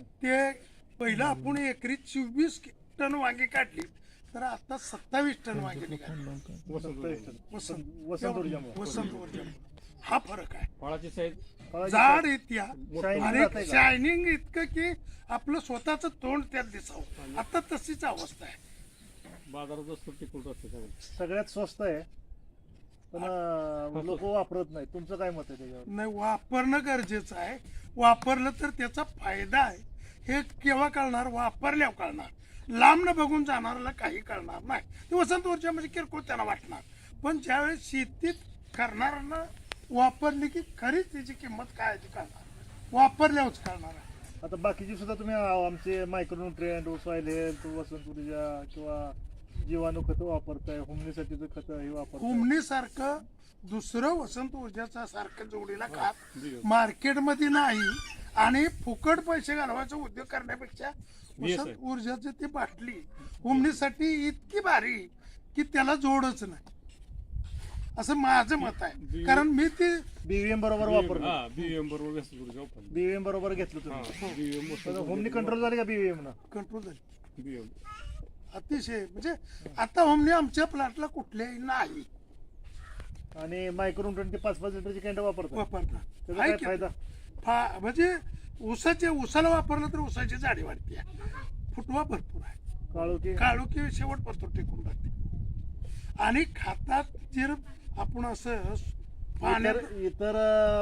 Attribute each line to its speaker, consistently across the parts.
Speaker 1: ते पहिलं आपण एकरी 24 टन वांगी काढली तर आता 27 टन वांगी निघाली.
Speaker 2: वसंत ऊर्जा
Speaker 1: हा फरक आहे.
Speaker 3: फळाची साईज
Speaker 1: जाड येत्या
Speaker 2: Shining
Speaker 1: आणि
Speaker 2: जातंय का?
Speaker 1: शायनिंग इतकं की आपलं स्वतःच तोंड त्यात दिसावं. आता तशीच अवस्था आहे.
Speaker 3: बाजारात वस्तू टिकून असते सगळं.
Speaker 2: सगळ्यात स्वस्त आहे पण लोक वापरत नाही. तुमचं काय मत आहे त्याच्यावर?
Speaker 1: नाही, वापरणं गरजेचं आहे. वापरलं तर त्याचा फायदा आहे हे केव्हा कळणार? वापरल्यावर कळणार. लांबनं बघून जाणाऱ्याला काही कळणार नाही. ते वसंत ऊर्जा म्हणजे किरकोळ त्यांना वाटणार, पण ज्यावेळेस शेतीत करणाऱ्यांना वापरली की खरीच त्याची किंमत काय आहे ती कळणार. वापरल्यावरच कळणार आहे.
Speaker 2: आता बाकीची सुद्धा तुम्ही आमचे मायक्रोन्यूट्रिएंट, सॉइल हेल्थ, वसंत ऊर्जा किंवा जीवाणू खतं वापरताय, हुमणीसाठीचं खतं हे वापरताय.
Speaker 1: हुमणीसारखं दुसरं वसंत ऊर्जाचा सारखं जोडीला खात मार्केटमध्ये नाही आणि फुकट पैसे घालवायचा उद्योग करण्यापेक्षा वसंत ऊर्जाची ती बाटली हुमणीसाठी इतकी भारी की त्याला जोडच नाही, असं माझं मत आहे. कारण मी ती
Speaker 2: बीव्हीएम बरोबर वापरलं.
Speaker 3: हा बीएम बरोबर वसंत ऊर्जा वापरली.
Speaker 2: बीव्हीएम बरोबर घेतलं तुम्ही.
Speaker 3: बीएम
Speaker 2: होमनी कंट्रोल झाली का बीव्हीएम ना?
Speaker 1: कंट्रोल झाली.
Speaker 3: बीएम
Speaker 1: अतिशय म्हणजे आता होमनी आमच्या प्लॅटला कुठल्याही नाही
Speaker 2: आणि मायक्रोन्यूट्रिएंट 5-5 लिटरची कॅन्ड वापरतात.
Speaker 1: वापरणार.
Speaker 2: त्याचा
Speaker 1: आहे
Speaker 2: काय
Speaker 1: की?
Speaker 2: फायदा?
Speaker 1: म्हणजे उसाला वापरलं तर उसाची जाडी वाढते, फुटवा भरपूर आहे, काळोखी शेवटपर्यंत टिकून राहते. आणि खातात जर आपण असं पाण्यात
Speaker 2: इतर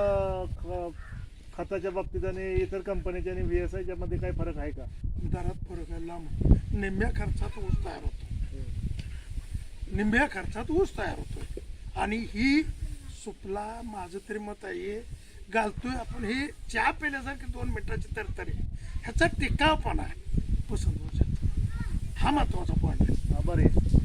Speaker 2: खताच्या बाबतीत आणि इतर कंपनीच्या आणि VSI मध्ये काय फरक आहे का?
Speaker 1: दरात फरक आहे. लांब निम्म्या खर्चात ऊस तयार होतो, निम्म्या खर्चात ऊस तयार होतो. आणि ही सुपला माझं तरी मत आहे घालतोय आपण, ही चहा पिल्यासारखी 2 मिनिटाची तरतरी ह्याचा टिकावपणा आहे वसंत ऊर्जाचा. हा महत्वाचा पॉईंट आहे.
Speaker 2: बरं आहे.